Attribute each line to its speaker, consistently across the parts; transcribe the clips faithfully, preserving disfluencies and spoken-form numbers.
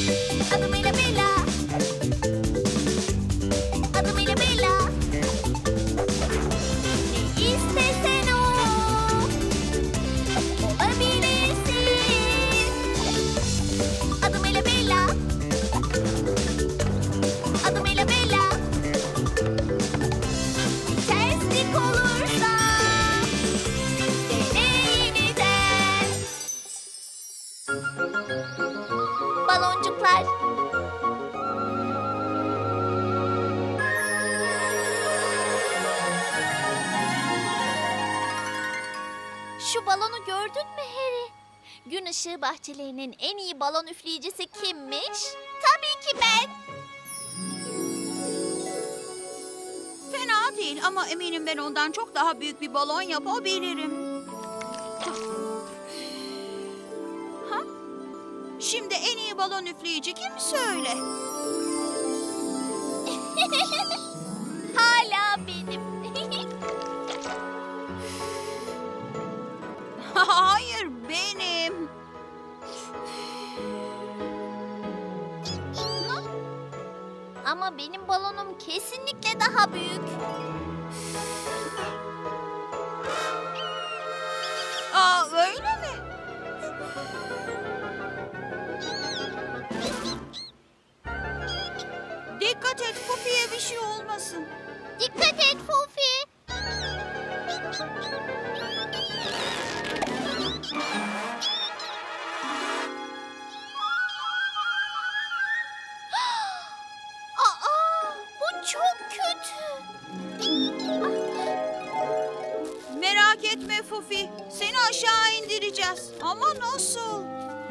Speaker 1: Adımıyla Bella. Adımıyla Bella. Ne istesen o. Olabilirsin. Adımıyla Bella. Adımıyla Bella. Terslik olursa dene yeniden. Baloncuklar. Şu balonu gördün mü Harry? Gün ışığı bahçelerinin en iyi balon üfleyicisi kimmiş? Tabii ki ben.
Speaker 2: Fena değil ama eminim ben ondan çok daha büyük bir balon yapabilirim. Ha? Şimdi en iyi balon üfleyici kim söyle?
Speaker 1: Hala benim.
Speaker 2: Hayır benim.
Speaker 1: Ama benim balonum kesinlikle daha büyük.
Speaker 2: Aa öyle mi? Dikkat et Pufi'ye bir şey olmasın.
Speaker 1: Dikkat et Fufi. Aa, bu çok kötü.
Speaker 2: Merak etme Fufi. Seni aşağı indireceğiz. Ama nasıl?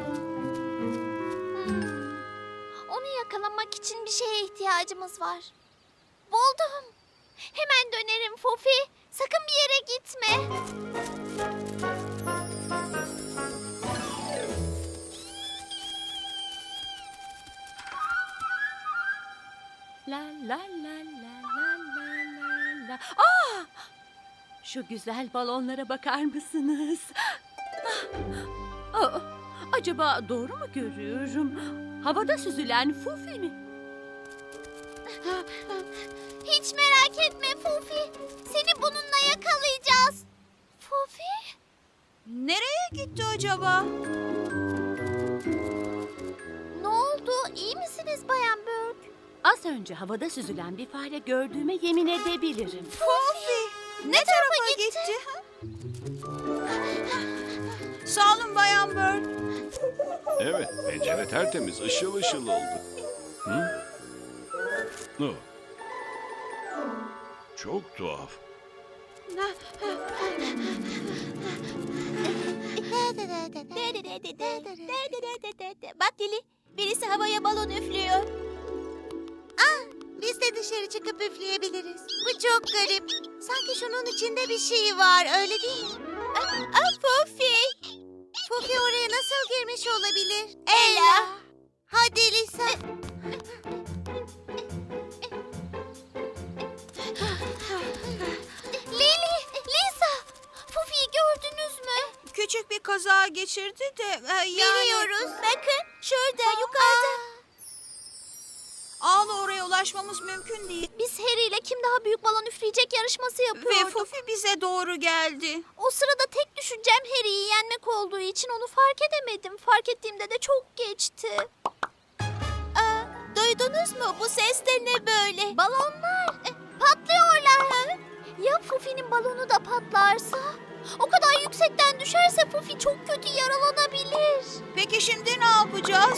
Speaker 1: Hmm. Onu yakalamak için bir şeye ihtiyacımız var. Buldum. Hemen dönerim Fufi. Sakın bir yere gitme.
Speaker 3: La la la la la la la la. Aa! Şu güzel balonlara bakar mısınız? Ah! Aa, acaba doğru mu görüyorum? Havada süzülen Fufi mi?
Speaker 1: Hiç merak etme Fufi. Seni bununla yakalayacağız. Fufi?
Speaker 2: Nereye gitti acaba?
Speaker 1: Ne oldu? İyi misiniz Bayan Burke?
Speaker 3: Az önce havada süzülen bir fare gördüğüme yemin edebilirim.
Speaker 2: Fufi! Ne,
Speaker 1: Ne
Speaker 2: tarafa
Speaker 1: tarafa
Speaker 2: gitti?
Speaker 1: gitti?
Speaker 2: Sağ olun Bayan Bird.
Speaker 4: Evet, pencere tertemiz, ışıl ışıl oldu. Hı? Oh. Çok tuhaf.
Speaker 1: Bak Lili, birisi havaya balon üflüyor. Ah, biz de dışarı çıkıp üfleyebiliriz. Bu çok garip. Sanki şunun içinde bir şey var, öyle değil mi? Ah, ah Fufi. Fufi oraya nasıl girmiş olabilir? Ella. Hadi Lisa. Lili, Lisa. Fufi'yi gördünüz mü?
Speaker 2: Küçük bir kaza geçirdi de e, yani...
Speaker 1: Biliyoruz. Bakın şurada yukarıda.
Speaker 2: Ağla oraya ulaşmamız mümkün değil.
Speaker 1: Biz Harry ile kim daha büyük balon üfleyecek yarışması
Speaker 2: Ve
Speaker 1: yapıyorduk.
Speaker 2: Fufi bize doğru geldi.
Speaker 1: O sırada tek düşüncem Harry'i yenmek olduğu için onu fark edemedim. Fark ettiğimde de çok geçti. Aa, duydunuz mu? Bu ses de ne böyle? Balonlar. E, patlıyorlar. Ya Fufi'nin balonu da patlarsa? O kadar yüksekten düşerse Fufi çok kötü yaralanabilir.
Speaker 2: Peki şimdi ne yapacağız?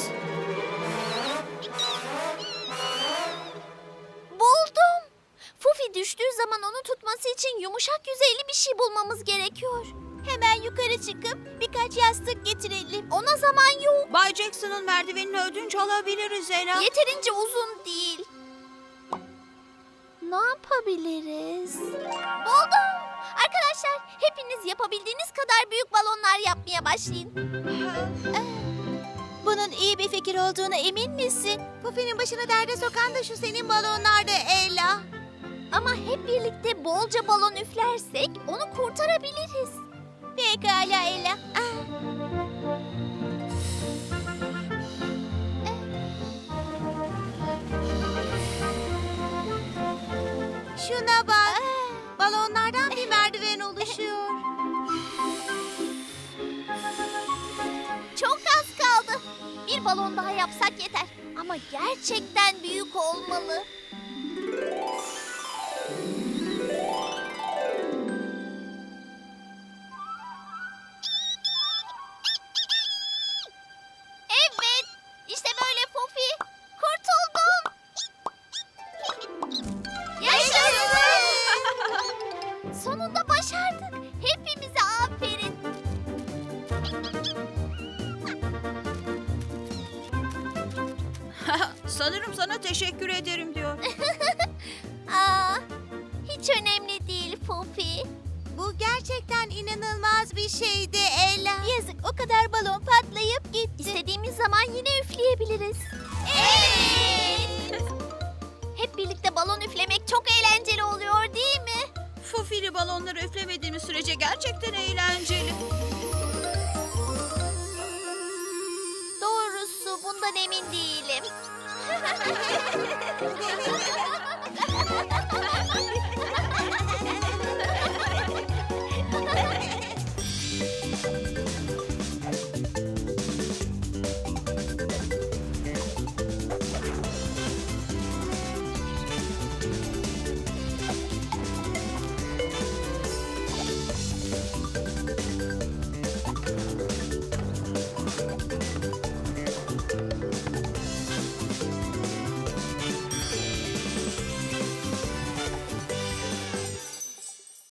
Speaker 1: Buldum. Fufi düştüğü zaman onu tutması için yumuşak yüzeyli bir şey bulmamız gerekiyor. Hemen yukarı çıkıp birkaç yastık getirelim. Ona zaman yok.
Speaker 2: Bay Jackson'ın merdivenini ödünç alabiliriz Ela.
Speaker 1: Yeterince uzun değil. Ne yapabiliriz? Buldum. Arkadaşlar hepiniz yapabildiğiniz kadar büyük balonlar yapmaya başlayın. Bunun iyi bir fikir olduğuna emin misin? Pufi'nin başını derde sokan da şu senin balonlardı Ella. Ama hep birlikte bolca balon üflersek onu kurtarabiliriz. Pekala Ella.
Speaker 2: Şuna bak. Balonlardan bir merdiven oluşuyor.
Speaker 1: Çok az kaldı. Bir balon daha yapsak yeter. Ama gerçekten büyük olmalı. Evet, işte böyle Pofi. Kurtuldum. Yaşasın. Sonunda başardık. Hepimize aferin.
Speaker 2: Sanırım sana teşekkür ederim diyor.
Speaker 1: Aa, hiç önemli değil Pofi.
Speaker 2: Bu gerçekten inanılmaz bir şeydi Ella.
Speaker 1: Yazık, o kadar balon patlayıp gitti. İstediğimiz zaman yine üfleyebiliriz. Evet. Hep birlikte balon üflemek çok eğlenceli oluyor değil mi?
Speaker 2: Fufili balonları üflemediğimiz sürece gerçekten eğlenceli.
Speaker 1: Doğrusu bundan emin değilim.